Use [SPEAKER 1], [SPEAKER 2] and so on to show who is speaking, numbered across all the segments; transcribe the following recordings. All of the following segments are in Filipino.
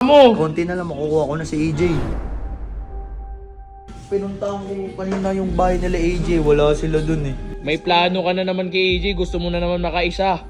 [SPEAKER 1] mo.
[SPEAKER 2] Konti na lang makukuha ko na si AJ. Pinuntahan ko kanina yung bahay nila AJ, wala sila dun eh.
[SPEAKER 1] May plano ka na naman kay AJ, gusto mo na naman makaisa.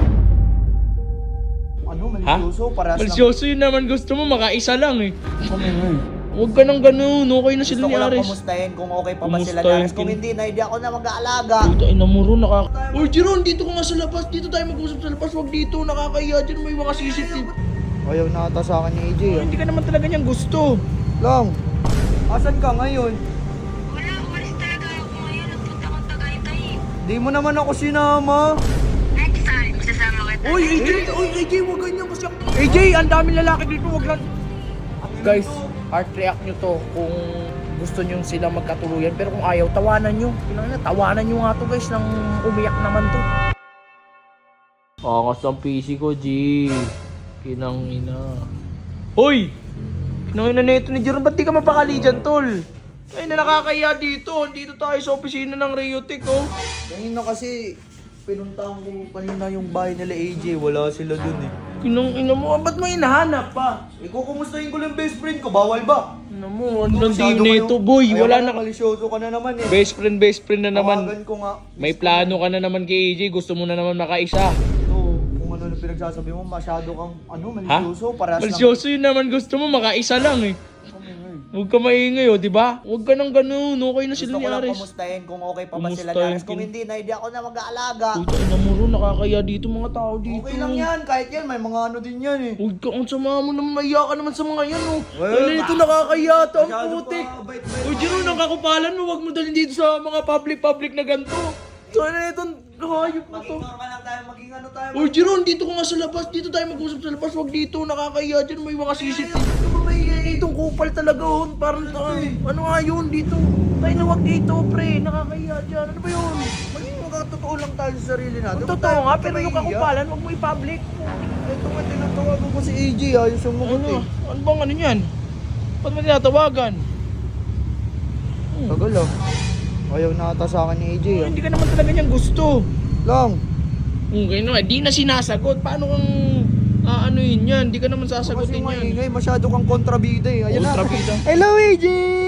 [SPEAKER 2] Ano, malisyoso? Parehas lang.
[SPEAKER 1] Malisyoso yun naman, gusto mo makaisa lang eh.
[SPEAKER 2] Kami nga.
[SPEAKER 1] Huwag ka nang ganun, okay na sila
[SPEAKER 2] Gusto
[SPEAKER 1] ni
[SPEAKER 2] ko lang
[SPEAKER 1] Ares.
[SPEAKER 2] kumustahin kung okay pa ba sila ni
[SPEAKER 1] Kumustahin
[SPEAKER 2] Ares. Kung hindi na, hindi ako na mag-aalaga.
[SPEAKER 1] Puta, ina mo ron, Uy, Jeron, dito ka nga sa labas. Dito tayo mag-usap sa labas. Huwag dito, nakakaya dyan. May mga CCTV.
[SPEAKER 2] Ayaw na ata sa akin ni AJ ah.
[SPEAKER 1] Hindi ka naman talaga niyang gusto.
[SPEAKER 2] Lang, asan ka ngayon?
[SPEAKER 3] Wala, umalis talaga ako ngayon. Nagpunta akong Tagaytay.
[SPEAKER 2] Di mo naman ako sinama.
[SPEAKER 3] Next time, sasama kita.
[SPEAKER 1] Uy, AJ, huwag ganyan kasi AJ, ang daming lalaki dito, huwag lang. Guys, heart react nyo to kung gusto nyo sila magkatuluyan. Pero kung ayaw, tawanan nyo. Tawanan nyo nga to guys, nang umiyak naman to. Angas ng PC ko, G. Kinang ina. Hoy! Kinang ina na ito ni Jeron, ba't di ka mapakali dyan, tol? Ay, na nakakaya dito. Dito tayo sa opisina ng Rayotech, oh.
[SPEAKER 2] Kanina kasi, pinuntahan ko kanina yung bahay nila AJ, wala sila dun eh.
[SPEAKER 1] Kinang ina mo, ba't mo hinahanap pa?
[SPEAKER 2] Kukumustahin ko lang best friend ko, bawal ba?
[SPEAKER 1] Ina mo, ang landi
[SPEAKER 2] Masyado
[SPEAKER 1] na
[SPEAKER 2] kayong-
[SPEAKER 1] ito, boy.
[SPEAKER 2] Ayaw
[SPEAKER 1] Wala
[SPEAKER 2] ka
[SPEAKER 1] na.
[SPEAKER 2] malisyoso ka na naman eh.
[SPEAKER 1] Best friend na naman.
[SPEAKER 2] Tawagan ko nga.
[SPEAKER 1] May plano ka na naman kay AJ, gusto mo na naman makaisa.
[SPEAKER 2] Ito, kung ano na pinagsasabi mo, masyado kang, malisyoso. Parehas lang.
[SPEAKER 1] Malisyoso yun naman, gusto mo makaisa lang eh.
[SPEAKER 2] Kami nga eh.
[SPEAKER 1] Huwag ka maingay, oh, di ba? Huwag ka nang ganun, okay na sila
[SPEAKER 2] Gusto
[SPEAKER 1] ni
[SPEAKER 2] ko lang
[SPEAKER 1] Ares.
[SPEAKER 2] kumustahin kung okay pa ba sila ni
[SPEAKER 1] Kumustahin
[SPEAKER 2] Ares. Kung
[SPEAKER 1] kin-
[SPEAKER 2] hindi na, hindi ako na mag-aalaga.
[SPEAKER 1] Puta, ina mo ron, nakakaya dito mga tao dito.
[SPEAKER 2] Okay lang yan, kahit yan, may mga ano din yan eh.
[SPEAKER 1] Huwag ka, ang sama mo naman, maiya ka naman sa mga yan, oh.
[SPEAKER 2] Well,
[SPEAKER 1] Ano ito, nakakaya to, ang
[SPEAKER 2] Masyado
[SPEAKER 1] putik.
[SPEAKER 2] pa, bait-bait.
[SPEAKER 1] O, Jeron, ang kakupalan mo, huwag mo dalhin dito sa mga public na ganito. So, ano ito, hayop mo to.
[SPEAKER 2] Maging normal lang tayo, maging ano tayo.
[SPEAKER 1] Uy, Jeron, dito ka nga sa labas. Dito tayo mag-usap sa labas. Huwag dito, nakakaya dyan. May mga CCTV. Ano ba may itong kupal talaga, oh. Parang, ano nga yun dito? Tayo na huwag dito, pre. Nakakaya dyan. Ano ba yun?
[SPEAKER 2] Maging magkatotoo lang tayo sa sarili natin.
[SPEAKER 1] Ang totoo nga, pero yung kakupalan, huwag mo i-public.
[SPEAKER 2] Ito nga, tinatawagan ko si AJ, ayos yung mugot
[SPEAKER 1] Ano?
[SPEAKER 2] eh.
[SPEAKER 1] Ano bang ano yan? Ba't mo tinatawagan?
[SPEAKER 2] Tagal ah. Ayaw na ata sa akin ni AJ ah.
[SPEAKER 1] Hindi ka naman talaga niyang gusto.
[SPEAKER 2] Lang,
[SPEAKER 1] Okay na, di na sinasagot. Paano kang yun yan? Di ka naman
[SPEAKER 2] kasi
[SPEAKER 1] sasagutin yan.
[SPEAKER 2] maingay, masyado kang kontrabida eh. Ayan na.
[SPEAKER 1] Kontrabida?
[SPEAKER 2] Hello AJ!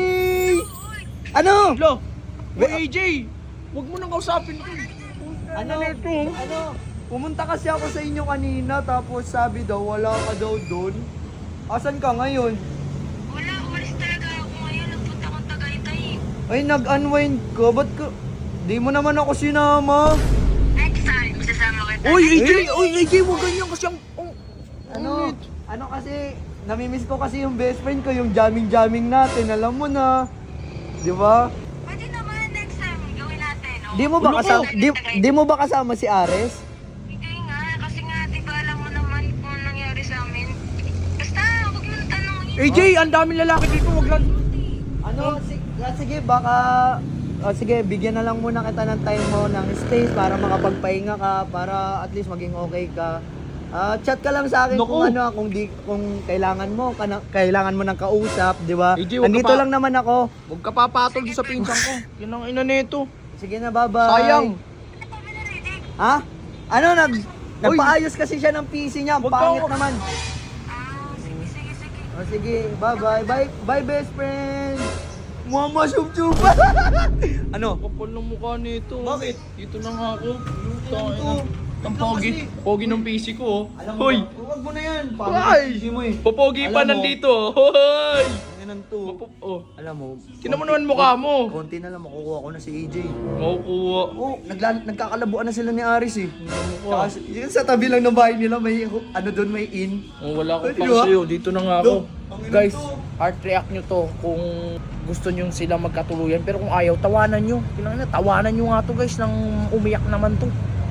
[SPEAKER 2] Ano?
[SPEAKER 1] Lo, Uy, AJ! Huwag mo nang kausapin ko.
[SPEAKER 2] Ano?
[SPEAKER 1] ito?
[SPEAKER 2] Ano? Pumunta kasi ako sa inyo kanina tapos sabi daw wala ka daw doon. Asan ka ngayon?
[SPEAKER 3] Wala, umalis talaga ako ngayon. Nagpunta akong Tagaytay.
[SPEAKER 2] Ay, nag-unwind ka? Ba't ka? Di mo naman ako sinama.
[SPEAKER 3] Next time, sasama kita.
[SPEAKER 1] Uy, AJ, huwag ganyan kasi ang...
[SPEAKER 2] Ano? Ano kasi, namimiss ko kasi yung best friend ko, yung jamming-jamming natin. Alam mo na. Di ba?
[SPEAKER 3] Pwede naman, next time, gawin natin. Oh.
[SPEAKER 2] Di mo ba
[SPEAKER 1] Ulo ko.
[SPEAKER 2] kasama, di mo ba kasama si Ares?
[SPEAKER 3] Hindi nga, kasi nga, di ba alam mo naman kung anong nangyari sa amin. Basta, huwag mo tanongin.
[SPEAKER 1] AJ, ang daming lalaki dito, huwag lang...
[SPEAKER 2] Ano, sige, baka... sige, bigyan na lang muna kita ng time mo, ng space para makapagpahinga ka, para at least maging okay ka. Chat ka lang sa akin
[SPEAKER 1] Naku.
[SPEAKER 2] kung ano, kung kailangan mo, kailangan mo ng kausap, di ba?
[SPEAKER 1] AJ, wag ka
[SPEAKER 2] Nandito
[SPEAKER 1] pa-
[SPEAKER 2] lang naman ako.
[SPEAKER 1] Huwag ka papatol sa pinsan ko. Yan ang ina nito.
[SPEAKER 2] Sige na, bye-bye.
[SPEAKER 1] Sayang.
[SPEAKER 2] Ha? Ano, nagpaayos kasi siya ng PC niya, ang
[SPEAKER 1] Wag ka-
[SPEAKER 2] pangit naman.
[SPEAKER 3] Ah, sige, sige, sige.
[SPEAKER 2] O sige, bye-bye. Bye, best friend. Mama, sub-sub. Ano?
[SPEAKER 1] Kapal ng mukha nito.
[SPEAKER 2] Bakit?
[SPEAKER 1] Dito na nga ako.
[SPEAKER 2] Ito.
[SPEAKER 1] Ang pogi. Pogi ng PC ko, oh.
[SPEAKER 2] Alam mo,
[SPEAKER 1] Hoy!
[SPEAKER 2] huwag mo na yan.
[SPEAKER 1] Ay!
[SPEAKER 2] PC mo eh.
[SPEAKER 1] Popogi pa
[SPEAKER 2] Alam mo,
[SPEAKER 1] nandito, oh. Hoy!
[SPEAKER 2] Yan ang to.
[SPEAKER 1] Oh.
[SPEAKER 2] Alam mo,
[SPEAKER 1] Tinan mo naman mukha mo.
[SPEAKER 2] konti na lang makukuha ko na si AJ.
[SPEAKER 1] Makukuha.
[SPEAKER 2] Oh, nagkakalabuan na sila ni Aris eh.
[SPEAKER 1] Mukha.
[SPEAKER 2] Tsaka, yun sa tabi lang ng bahay nila, may ano doon, may in.
[SPEAKER 1] Oh, wala akong
[SPEAKER 2] Pwede
[SPEAKER 1] pang
[SPEAKER 2] ba?
[SPEAKER 1] sa'yo. Dito na nga ako.
[SPEAKER 2] Dok, ang ina
[SPEAKER 1] Guys,
[SPEAKER 2] to.
[SPEAKER 1] heart react nyo to kung gusto nyo sila magkatuluyan. Pero kung ayaw, tawanan nyo. Tawanan nyo nga to guys, nang umiyak naman to.